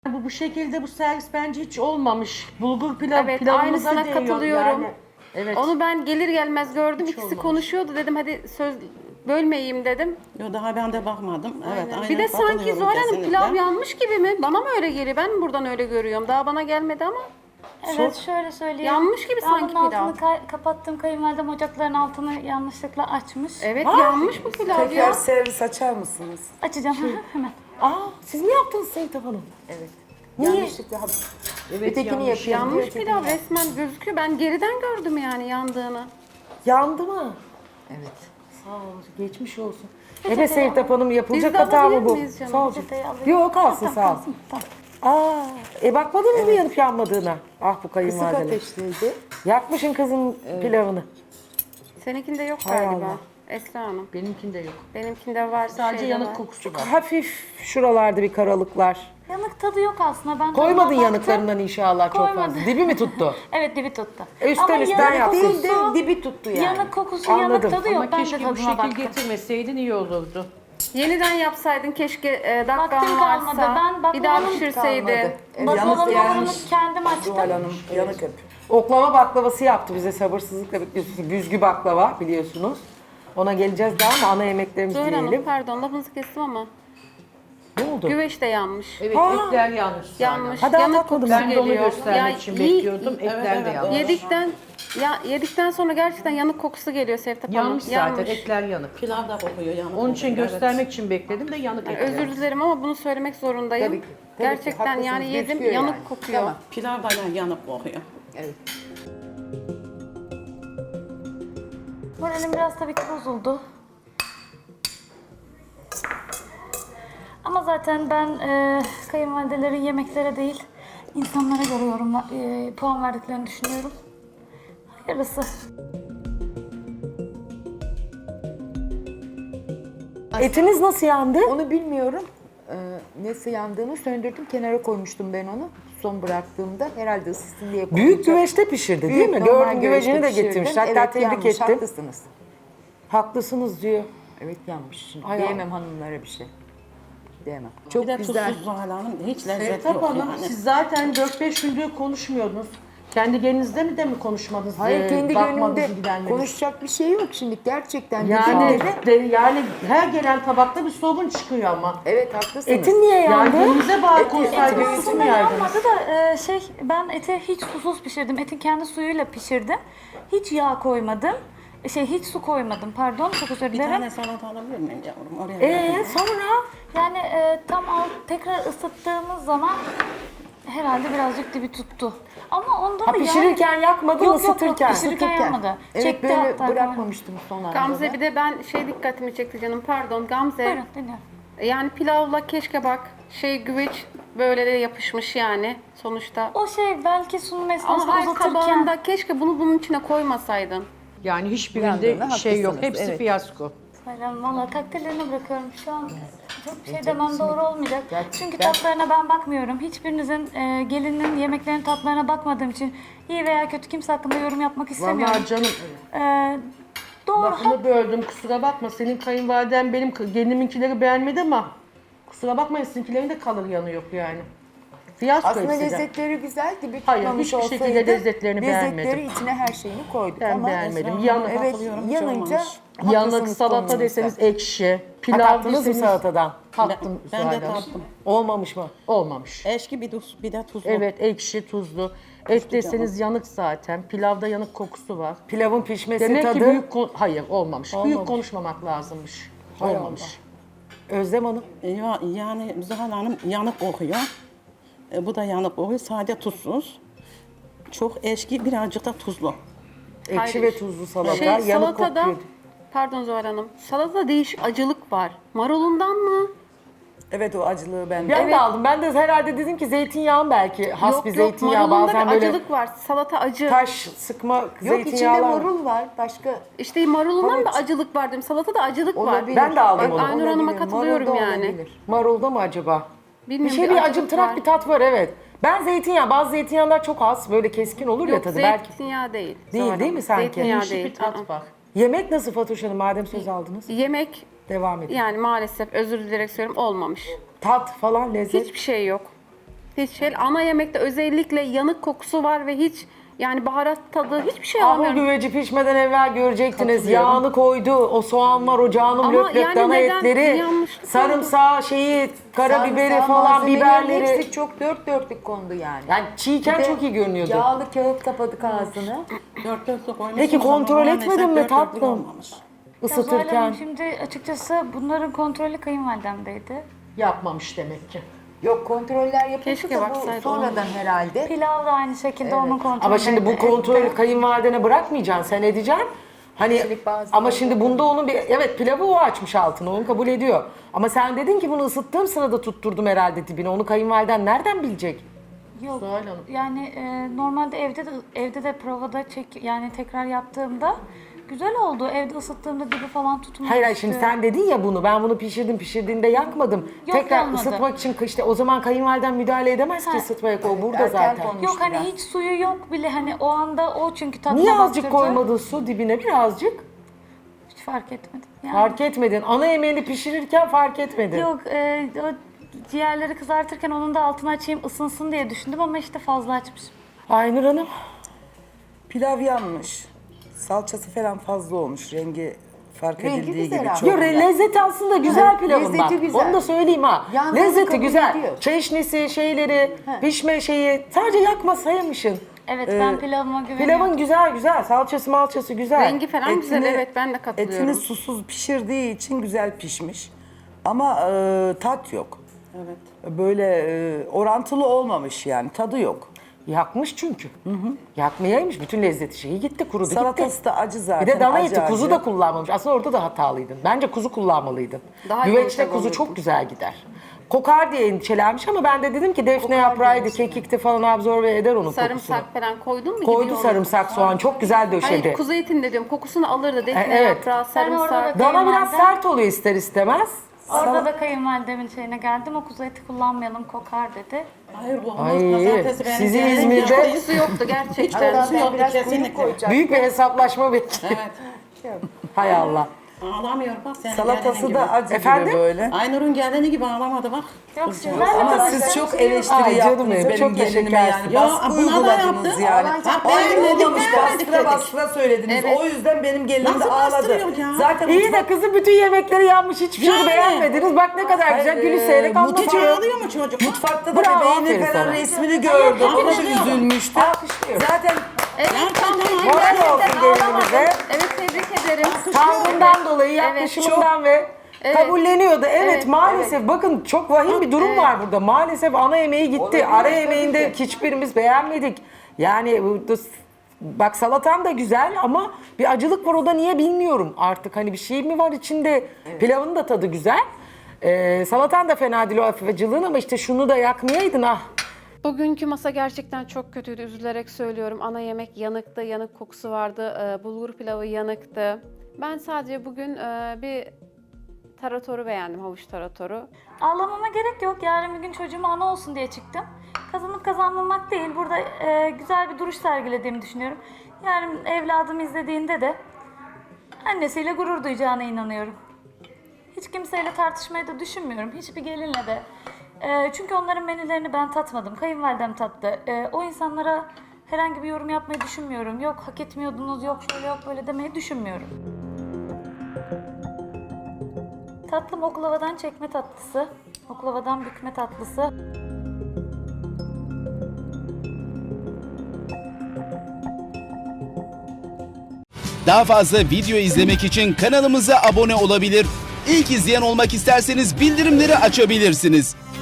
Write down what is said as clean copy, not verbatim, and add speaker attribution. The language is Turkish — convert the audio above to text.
Speaker 1: Bu şekilde bu servis bence hiç olmamış. Bulgur pilav
Speaker 2: Evet,
Speaker 1: pilavımıza
Speaker 2: aynısına
Speaker 1: değiyor
Speaker 2: katılıyorum.
Speaker 1: yani. Evet.
Speaker 2: Onu ben gelir gelmez gördüm.
Speaker 1: Hiç
Speaker 2: İkisi
Speaker 1: olmamış.
Speaker 2: konuşuyordu. Dedim hadi söz bölmeyeyim dedim.
Speaker 3: Yo, daha ben de bakmadım. Evet, aynen
Speaker 2: Bir de sanki
Speaker 3: katılıyorum
Speaker 2: Zuhal Hanım
Speaker 3: kesinlikle.
Speaker 2: pilav yanmış gibi mi? Bana mı öyle geliyor? Ben mi buradan öyle görüyorum? Daha bana gelmedi ama.
Speaker 4: Evet şöyle söyleyeyim.
Speaker 2: Yanmış gibi
Speaker 4: Ben
Speaker 2: sanki
Speaker 4: bunun
Speaker 2: pilav.
Speaker 4: altını kapattım. Kayınvalidem ocakların altını yanlışlıkla açmış.
Speaker 2: Evet yanmış bu pilav
Speaker 5: Tekrar
Speaker 2: ya.
Speaker 5: servis açar mısınız?
Speaker 4: Açacağım hemen.
Speaker 5: Aa, siz mi yaptınız Sevtap Hanım?
Speaker 6: Evet.
Speaker 5: Niye?
Speaker 6: Yanlışlıkla
Speaker 1: Evet,
Speaker 6: ötekini
Speaker 1: yanlış.
Speaker 6: yapıyorum.
Speaker 2: Yanmış
Speaker 6: ötekini
Speaker 2: pilav
Speaker 6: yap.
Speaker 2: resmen gözüküyor. Ben geriden gördüm yani yandığını.
Speaker 5: Yandı mı?
Speaker 6: Evet.
Speaker 5: Sağ olun, geçmiş olsun. Evet Sevtap Hanım, yapılacak
Speaker 2: Biz de
Speaker 5: hata mı
Speaker 2: alabilir
Speaker 5: bu?
Speaker 2: miyiz canım?
Speaker 5: Sağ olun.
Speaker 4: Peçeteyi alayım.
Speaker 5: Yok, kalsın
Speaker 4: Tamam,
Speaker 5: sağ ol.
Speaker 4: kalsın, tamam.
Speaker 5: Aa, bakmadın mı yanıp yanmadığına? Ah bu
Speaker 6: Kısık
Speaker 5: kayınvalideler.
Speaker 6: ateşteydi.
Speaker 5: Yakmışın kızın pilavını.
Speaker 2: Seninkinde yok
Speaker 5: Hay
Speaker 2: galiba.
Speaker 5: Allah.
Speaker 2: Esra Hanım.
Speaker 1: Benimkinde yok.
Speaker 2: Benimkinde var.
Speaker 1: Sadece
Speaker 2: şeyde
Speaker 1: yanık
Speaker 2: var.
Speaker 1: kokusu var.
Speaker 5: Hafif şuralarda bir karalıklar.
Speaker 4: Yanık tadı yok aslında. Ben
Speaker 5: Koymadın
Speaker 4: tadına baktım.
Speaker 5: yanıklarından inşallah çok
Speaker 4: Koymadım.
Speaker 5: fazla. Dibi mi tuttu?
Speaker 4: Evet dibi tuttu.
Speaker 5: Üstten
Speaker 4: Ama
Speaker 5: üstten
Speaker 4: yanık
Speaker 5: yaptın.
Speaker 6: Değil de
Speaker 4: kokusu-
Speaker 6: dibi tuttu yani.
Speaker 4: Yanık kokusu,
Speaker 5: Anladım.
Speaker 4: yanık tadı yok.
Speaker 1: Ama
Speaker 4: Ben de
Speaker 1: keşke bu
Speaker 4: tadına
Speaker 1: şekil
Speaker 4: baktım.
Speaker 1: getirmeseydin iyi olurdu.
Speaker 2: Yeniden yapsaydın keşke
Speaker 4: Vaktim
Speaker 2: dakikan
Speaker 4: kalmadı.
Speaker 2: varsa.
Speaker 4: Ben
Speaker 2: Bir daha
Speaker 4: bakmadım,
Speaker 2: pişirseydin.
Speaker 6: kalmadı. Evet,
Speaker 4: Bakalım
Speaker 6: yalnız
Speaker 4: hamurunu
Speaker 6: gelmiş.
Speaker 4: kendim açtım.
Speaker 6: Zuhal Hanım yanık hep.
Speaker 5: Oklava baklavası yaptı bize, sabırsızlıkla bekliyorsunuz. Büzgü baklava biliyorsunuz. Ona geleceğiz daha ama ana yemeklerimizi
Speaker 2: Zuhal Hanım
Speaker 5: diyelim.
Speaker 2: pardon lafınızı kestim ama.
Speaker 5: Ne oldu?
Speaker 2: Güveç de yanmış.
Speaker 1: Evet
Speaker 5: Ha.
Speaker 1: etler yanlış.
Speaker 2: Yanmış.
Speaker 5: Ha, daha
Speaker 2: Yanık
Speaker 5: tatmadım.
Speaker 2: kokusu
Speaker 1: Ben de onu
Speaker 2: geliyor.
Speaker 1: göstermek için bekliyordum. Etler de yanmış.
Speaker 2: Yedikten sonra gerçekten yanık kokusu geliyor Sevtap Hanım.
Speaker 1: Yanmış zaten, etler yanık.
Speaker 3: Pilav da kokuyor yanık.
Speaker 1: Onun için
Speaker 3: kokuyor,
Speaker 1: göstermek için bekledim de yanık etler.
Speaker 2: Özür dilerim ama bunu söylemek zorundayım.
Speaker 6: Tabii ki, tabii ki.
Speaker 2: Gerçekten
Speaker 6: Haklısınız,
Speaker 2: yani yedim
Speaker 6: gözüküyor
Speaker 2: yanık
Speaker 6: yani.
Speaker 2: kokuyor.
Speaker 6: Tamam.
Speaker 3: Evet. Pilav da yanık kokuyor.
Speaker 6: Evet.
Speaker 4: Moralim biraz tabii ki bozuldu. Ama zaten ben kayınvalidelerin yemeklere değil, insanlara göre puan verdiklerini düşünüyorum. Hayırlısı.
Speaker 5: Etiniz nasıl yandı?
Speaker 6: Onu bilmiyorum. Nasıl yandığını söndürdüm. Kenara koymuştum ben onu. Son bıraktığımda herhalde ısısın diye koyacağım.
Speaker 5: Büyük güveçte pişirdi değil mi?
Speaker 6: normal
Speaker 5: Gördüm, güvecini de
Speaker 6: güveçte
Speaker 5: getirmiş.
Speaker 6: pişirdim.
Speaker 5: Hatta
Speaker 6: Evet,
Speaker 5: tebrik
Speaker 6: yanmış,
Speaker 5: ettim.
Speaker 6: Haklısınız.
Speaker 5: Haklısınız diyor.
Speaker 6: Evet yanmış. Şimdi
Speaker 5: Ay,
Speaker 6: diyemem hanımlara bir şey. Diyemem.
Speaker 3: Bir
Speaker 6: Çok
Speaker 3: de
Speaker 6: güzel.
Speaker 3: tuzsuz Zuhal Hanım. Hiç lezzet
Speaker 1: Sevtap
Speaker 3: yok
Speaker 1: Hanım,
Speaker 3: yani.
Speaker 1: siz zaten 4-5 gündür konuşmuyordunuz. Kendi gelinizde mi konuşmadınız?
Speaker 6: Hayır kendi
Speaker 1: bakmadınız,
Speaker 6: gönlümde
Speaker 1: gidenleriniz?
Speaker 6: konuşacak bir şey yok şimdi. Gerçekten
Speaker 1: Yani,
Speaker 6: dediğimde de-
Speaker 1: yani her gelen tabakta bir sorun çıkıyor ama.
Speaker 6: Evet haklısınız.
Speaker 5: Etin niye
Speaker 1: Yani
Speaker 5: yandı?
Speaker 1: gönlünüze bağlı
Speaker 6: Eti
Speaker 1: konsaydınız siz
Speaker 4: Aslında
Speaker 1: mi yerdiniz?
Speaker 4: yanmadı da ben eti hiç susuz pişirdim. Etin kendi suyuyla pişirdim. Hiç yağ koymadım. Hiç su koymadım pardon. Çok özür
Speaker 3: Bir
Speaker 4: dilerim.
Speaker 3: tane salata alabilir miyim yavrum? Oraya
Speaker 5: Sonra?
Speaker 4: Yani tekrar ısıttığımız zaman herhalde birazcık dibi tuttu. Ama onda
Speaker 5: Ha,
Speaker 4: da
Speaker 5: pişirirken yakmadın,
Speaker 4: yok,
Speaker 5: ısıtırken.
Speaker 4: Yok, pişirirken yanmadı.
Speaker 6: Evet
Speaker 4: Çekti
Speaker 6: böyle
Speaker 4: hatta.
Speaker 6: bırakmamıştım son anda.
Speaker 2: Gamze
Speaker 6: da.
Speaker 2: bir de ben dikkatimi çekti canım pardon Gamze.
Speaker 4: Buyurun dinliyorum.
Speaker 2: Yani pilavla keşke bak güveç böyle de yapışmış yani sonuçta.
Speaker 4: O belki sunum
Speaker 2: Ama
Speaker 4: esnasında
Speaker 2: hayır
Speaker 4: uzatırken
Speaker 2: tabağında keşke bunu bunun içine koymasaydın.
Speaker 1: Yani hiçbirinde
Speaker 6: Yandığında
Speaker 1: şey yok.
Speaker 6: haklısınız,
Speaker 1: Hepsi
Speaker 6: evet.
Speaker 1: fiyasko.
Speaker 4: Sayın valla takdirlerini bırakıyorum. Şu an çok bir şey demem doğru olmayacak. Çünkü
Speaker 6: ben-
Speaker 4: tatlarına ben bakmıyorum. Hiçbirinizin gelinin yemeklerinin tatlarına bakmadığım için iyi veya kötü kimse hakkında yorum yapmak istemiyorum.
Speaker 1: Vallahi canım
Speaker 4: E, doğru.
Speaker 1: lafını böldüm, kusura bakma. Senin kayınvaliden benim geliniminkileri beğenmedi ama kusura bakmayın, sizinkilerin de kalır yanı yok yani. Fiyasko
Speaker 6: Aslında
Speaker 1: hepsi de.
Speaker 6: lezzetleri güzel gibi
Speaker 1: Hayır,
Speaker 6: tutmamış
Speaker 1: hiçbir
Speaker 6: olsaydı
Speaker 1: şekilde lezzetlerini
Speaker 6: lezzetleri
Speaker 1: beğenmedim.
Speaker 6: içine her şeyini koyduk
Speaker 1: Ben
Speaker 6: ama
Speaker 1: beğenmedim.
Speaker 3: Esra
Speaker 1: Yanık,
Speaker 3: Hanım,
Speaker 6: evet
Speaker 3: katılıyorum, hiç
Speaker 6: yanınca
Speaker 3: olmamış.
Speaker 1: yanık
Speaker 6: haklısınız
Speaker 1: salata
Speaker 6: konunuzda.
Speaker 1: deseniz ekşi,
Speaker 5: Ha,
Speaker 1: pilav
Speaker 5: tattınız mı
Speaker 1: deseniz
Speaker 5: salatadan?
Speaker 1: tattım.
Speaker 3: Ben de
Speaker 1: Zuhal Hanım.
Speaker 3: tattım.
Speaker 5: Olmamış mı?
Speaker 1: Olmamış.
Speaker 3: Eşki bir de tuzlu.
Speaker 1: Evet, ekşi, tuzlu. Et deseniz yanık zaten. Pilavda yanık kokusu var.
Speaker 5: Pilavın pişmesi
Speaker 1: Demek
Speaker 5: tadı.
Speaker 1: ki hayır olmamış. Büyük
Speaker 5: Olmamış.
Speaker 1: konuşmamak lazımmış.
Speaker 5: Hay
Speaker 1: Olmamış.
Speaker 5: Özlem Hanım.
Speaker 3: Yani Zuhal Hanım yanık kokuyor. Bu da yanık kokuyor. Sade tuzsuz. Çok eşki, birazcık da tuzlu.
Speaker 5: Ekşi
Speaker 2: Hayır.
Speaker 5: ve tuzlu salata.
Speaker 2: Şey
Speaker 5: yanık
Speaker 2: salatada
Speaker 5: kokuyor.
Speaker 2: pardon Zuhal Hanım. Salatada değişik acılık var. Marulundan mı?
Speaker 5: Evet o acılığı ben
Speaker 2: Evet.
Speaker 5: de aldım. Ben de herhalde dedim ki zeytinyağı belki. Has bir zeytinyağı
Speaker 2: marulunda
Speaker 5: bazen
Speaker 2: bir
Speaker 5: böyle
Speaker 2: acılık var. Salata acı.
Speaker 5: taş sıkma
Speaker 6: Yok içinde
Speaker 5: zeytinyağlar.
Speaker 6: marul var. Başka
Speaker 2: İşte marulundan
Speaker 6: Evet.
Speaker 2: da acılık var dedim. Salatada acılık var.
Speaker 6: olabilir.
Speaker 5: Ben de aldım
Speaker 2: Bak,
Speaker 5: onu.
Speaker 2: Aynur Hanım'a
Speaker 6: Olabilir,
Speaker 2: katılıyorum
Speaker 6: marul da
Speaker 2: yani.
Speaker 6: olabilir.
Speaker 5: Marulda mı acaba?
Speaker 2: Bilmiyorum,
Speaker 5: bir
Speaker 2: acılık
Speaker 5: acımtırak
Speaker 2: var.
Speaker 5: bir tat var evet. Ben zeytinyağı, bazı zeytinyağlar çok az böyle keskin olur ya
Speaker 2: Yok
Speaker 5: tadı belki.
Speaker 2: zeytinyağı değil.
Speaker 5: Değil,
Speaker 2: Zuhal
Speaker 5: değil
Speaker 2: Hanım.
Speaker 5: mi sanki?
Speaker 2: Zeytinyağı
Speaker 1: Değişik
Speaker 2: değil.
Speaker 1: bir tat
Speaker 2: Aa.
Speaker 1: var.
Speaker 5: Yemek nasıl Fatoş Hanım madem söz aldınız?
Speaker 2: Yemek
Speaker 5: Devam edin.
Speaker 2: yani maalesef özür dilerim söylüyorum olmamış.
Speaker 5: Tat falan lezzet.
Speaker 2: Hiçbir şey yok. Hiç şey. Ana yemekte özellikle yanık kokusu var ve hiç yani baharat tadı hiçbir şey
Speaker 5: Ah, o
Speaker 2: almıyorum.
Speaker 5: güveci pişmeden evvel görecektiniz.
Speaker 1: Katılıyorum.
Speaker 5: Yağını koydu. O soğanlar, o canım
Speaker 2: Ama
Speaker 5: löp löp
Speaker 2: yani
Speaker 5: dana
Speaker 2: neden
Speaker 5: etleri,
Speaker 2: yanlışlık
Speaker 5: sarımsağı, karabiberi
Speaker 6: Sarımsağı,
Speaker 5: falan,
Speaker 6: malzemelerin
Speaker 5: biberleri.
Speaker 6: hepsi çok dört dörtlük kondu yani.
Speaker 5: Yani çiğken
Speaker 6: Bir de
Speaker 5: çok iyi görünüyordu.
Speaker 6: Yağlı kağıt kapadık ağzını.
Speaker 3: Dört dörtlük koymuşsun
Speaker 5: Peki
Speaker 3: ama
Speaker 5: kontrol
Speaker 3: maalesef
Speaker 5: etmedin mi
Speaker 3: dört dörtlük
Speaker 5: tatlım?
Speaker 3: olmamış.
Speaker 4: Ya Zuhal
Speaker 5: Isıtırken.
Speaker 4: Hanım, şimdi açıkçası bunların kontrolü kayınvalidemdeydi.
Speaker 1: Yapmamış demek ki.
Speaker 6: Yok, kontroller yapıldı
Speaker 2: Keşke
Speaker 6: da bu
Speaker 2: baksaydı,
Speaker 6: sonradan herhalde.
Speaker 4: Pilav da aynı şekilde onun kontrolü.
Speaker 5: Ama şimdi bu kontrolü kayınvalidene bırakmayacaksın, sen edeceksin. Hani
Speaker 6: Üstelik bazıları
Speaker 5: ama şimdi bunda onun bir evet pilavı o açmış altını, onu kabul ediyor. Ama sen dedin ki bunu ısıttığım sırada tutturdum herhalde dibine. Onu kayınvaliden nereden bilecek?
Speaker 4: Yok.
Speaker 1: Zuhal Hanım.
Speaker 4: Yani normalde evde de provada yani tekrar yaptığımda güzel oldu. Evde ısıttığımda dibi falan tutmamıştı.
Speaker 5: Hayır şimdi sen dedin ya bunu, ben bunu pişirdiğinde yakmadım.
Speaker 4: Yok,
Speaker 5: Tekrar
Speaker 4: yanmadı.
Speaker 5: ısıtmak için işte o zaman kayınvaliden müdahale edemez ki ısıtmaya, o burada
Speaker 6: erken
Speaker 5: zaten.
Speaker 6: konuş.
Speaker 4: Yok hani
Speaker 6: biraz.
Speaker 4: hiç suyu yok bile, hani o anda o çünkü tadına
Speaker 5: Niye azıcık
Speaker 4: baktırdı.
Speaker 5: koymadın su dibine, birazcık?
Speaker 4: Hiç fark etmedim. Yani.
Speaker 5: Fark etmedin. Ana yemeğini pişirirken fark etmedin.
Speaker 4: Yok, o ciğerleri kızartırken onun da altını açayım ısınsın diye düşündüm ama işte fazla açmışım.
Speaker 5: Aynur Hanım.
Speaker 7: Pilav yanmış. Salçası falan fazla olmuş. Rengi fark
Speaker 6: Rengi
Speaker 7: edildiği
Speaker 6: güzel
Speaker 7: gibi
Speaker 6: ama.
Speaker 7: çok.
Speaker 5: Yo, lezzeti aslında güzel pilavın bak.
Speaker 6: lezzeti güzel.
Speaker 5: Onu da söyleyeyim ha.
Speaker 6: Yandığını
Speaker 5: Lezzeti
Speaker 6: kabul
Speaker 5: güzel.
Speaker 6: ediyor.
Speaker 5: Çeşnisi, pişme şeyi. Sadece yakmasaymışsın.
Speaker 4: Evet, ben pilavıma güveniyorum.
Speaker 5: Pilavın güzel. Salçası malçası güzel.
Speaker 2: Rengi falan güzel, evet, ben de katılıyorum.
Speaker 7: Etini susuz pişirdiği için güzel pişmiş. Ama tat yok. Evet. Böyle orantılı olmamış yani. Tadı yok.
Speaker 5: Yakmış çünkü. Yakmayaymış. Bütün lezzeti şeyi gitti, kurudu gitti.
Speaker 7: Salatası da acı zaten.
Speaker 5: Bir de dana
Speaker 7: acı
Speaker 5: eti, kuzu
Speaker 7: acı.
Speaker 5: da kullanmamış. Aslında orada da hatalıydın. Bence kuzu kullanmalıydın.
Speaker 2: Daha
Speaker 5: Güveçte
Speaker 2: yumuşak
Speaker 5: kuzu
Speaker 2: olurdu.
Speaker 5: çok güzel gider. Kokar diye endişelenmiş ama ben de dedim ki defne yaprağıydı, kekikti falan absorbe eder onun kokusunu.
Speaker 2: Sarımsak falan koydun mu?
Speaker 5: Koydu
Speaker 2: gidiyor
Speaker 5: sarımsak, soğan çok güzel
Speaker 2: onu.
Speaker 5: döşedi.
Speaker 2: Hayır, kuzu etinde diyorum, kokusunu alırdı. Defne
Speaker 5: evet.
Speaker 2: yaprağı,
Speaker 4: Ben orada
Speaker 2: sarımsak.
Speaker 4: da-
Speaker 5: Dana biraz
Speaker 4: Kayınvalide-
Speaker 5: sert oluyor ister istemez.
Speaker 4: Orada da kayınvalidemin şeyine geldim. O kuzu eti kullanmayalım, kokar dedi.
Speaker 3: Hayır olmaz.
Speaker 5: Ay,
Speaker 3: Pazartesi benim
Speaker 5: sizin
Speaker 3: geldiğim
Speaker 5: İzmir'de-
Speaker 3: gün-
Speaker 2: Kokusu yoktu gerçekten.
Speaker 6: Hatta
Speaker 3: Kokusu
Speaker 6: ben
Speaker 3: yoktu
Speaker 6: biraz
Speaker 3: kesinlikle.
Speaker 6: kuyruk koyacağım.
Speaker 5: Büyük bir hesaplaşma bekliyor.
Speaker 3: Evet.
Speaker 5: Hay Allah.
Speaker 3: Ağlamıyor bak senin
Speaker 7: Salatası
Speaker 3: gelinin
Speaker 7: da
Speaker 3: gibi.
Speaker 7: acı
Speaker 5: Efendim?
Speaker 7: gibi böyle.
Speaker 3: Aynur'un gelini gibi ağlamadı bak.
Speaker 4: Yok, sizler
Speaker 7: Ama
Speaker 4: de
Speaker 7: siz çok
Speaker 5: Ay
Speaker 7: eleştiri
Speaker 5: canım
Speaker 7: yaptınız
Speaker 5: benim,
Speaker 7: benim
Speaker 5: çok
Speaker 7: gelinime yani.
Speaker 5: teşekkür
Speaker 3: Ya,
Speaker 7: Baskı
Speaker 3: buna da
Speaker 7: uyguladınız
Speaker 3: yaptı.
Speaker 7: yani.
Speaker 3: Ha,
Speaker 7: Hayır
Speaker 3: beğenmedik,
Speaker 7: olmamış.
Speaker 3: beğenmedik
Speaker 7: Bastıra
Speaker 3: dedik.
Speaker 7: bastıra söylediniz.
Speaker 2: Evet.
Speaker 7: O yüzden benim gelinim de
Speaker 3: Nasıl
Speaker 7: ağladı.
Speaker 3: bastırıyor ya?
Speaker 7: Zaten
Speaker 5: İyi de kızın bütün yemekleri yanmış, hiçbir şeyi
Speaker 3: Yani.
Speaker 5: beğenmediniz. Bak ne kadar güzel
Speaker 7: Hayır,
Speaker 5: gülüşerek
Speaker 3: Hiç
Speaker 5: anlatıyor.
Speaker 3: ağlıyor mu çocuk?
Speaker 7: mutfakta da
Speaker 5: Bravo,
Speaker 7: bebeğinin
Speaker 5: aferin
Speaker 7: falan
Speaker 5: sana.
Speaker 7: resmini gördüm. O da
Speaker 3: Alkışlıyorum.
Speaker 7: üzülmüştü.
Speaker 5: Alkışlıyorum.
Speaker 7: Zaten
Speaker 2: Evet, tamam.
Speaker 5: Moral olsun gelinimize.
Speaker 2: Evet, tebrik ederim.
Speaker 5: Tavrından dolayı, yaklaşımından ve kabulleniyordu. Evet, maalesef bakın çok vahim bir durum var burada. Maalesef ana yemeği gitti. Ara yemeğinde hiçbirimiz beğenmedik. Yani bak salatan da güzel ama bir acılık var, o da niye bilmiyorum artık. Hani bir şey mi var içinde? Pilavın da tadı güzel. Salatan da fena değil o hafif acılığın ama işte şunu da yakmayaydın ah.
Speaker 2: Bugünkü masa gerçekten çok kötüydü. Üzülerek söylüyorum. Ana yemek yanıktı, yanık kokusu vardı. Bulgur pilavı yanıktı. Ben sadece bugün bir taratoru beğendim, havuç taratoru.
Speaker 4: Ağlamama gerek yok. Yarın bir gün çocuğuma ana olsun diye çıktım. Kazanıp kazanmamak değil. Burada güzel bir duruş sergilediğimi düşünüyorum. Yarın evladım izlediğinde de annesiyle gurur duyacağına inanıyorum. Hiç kimseyle tartışmayı da düşünmüyorum. Hiçbir gelinle de. Çünkü onların menülerini ben tatmadım. Kayınvalidem tattı. O insanlara herhangi bir yorum yapmayı düşünmüyorum. Yok hak etmiyordunuz, yok şöyle yok böyle demeyi düşünmüyorum. Tatlım oklavadan çekme tatlısı. Oklavadan bükme tatlısı.
Speaker 8: Daha fazla video izlemek için kanalımıza abone olabilir. İlk izleyen olmak isterseniz bildirimleri açabilirsiniz.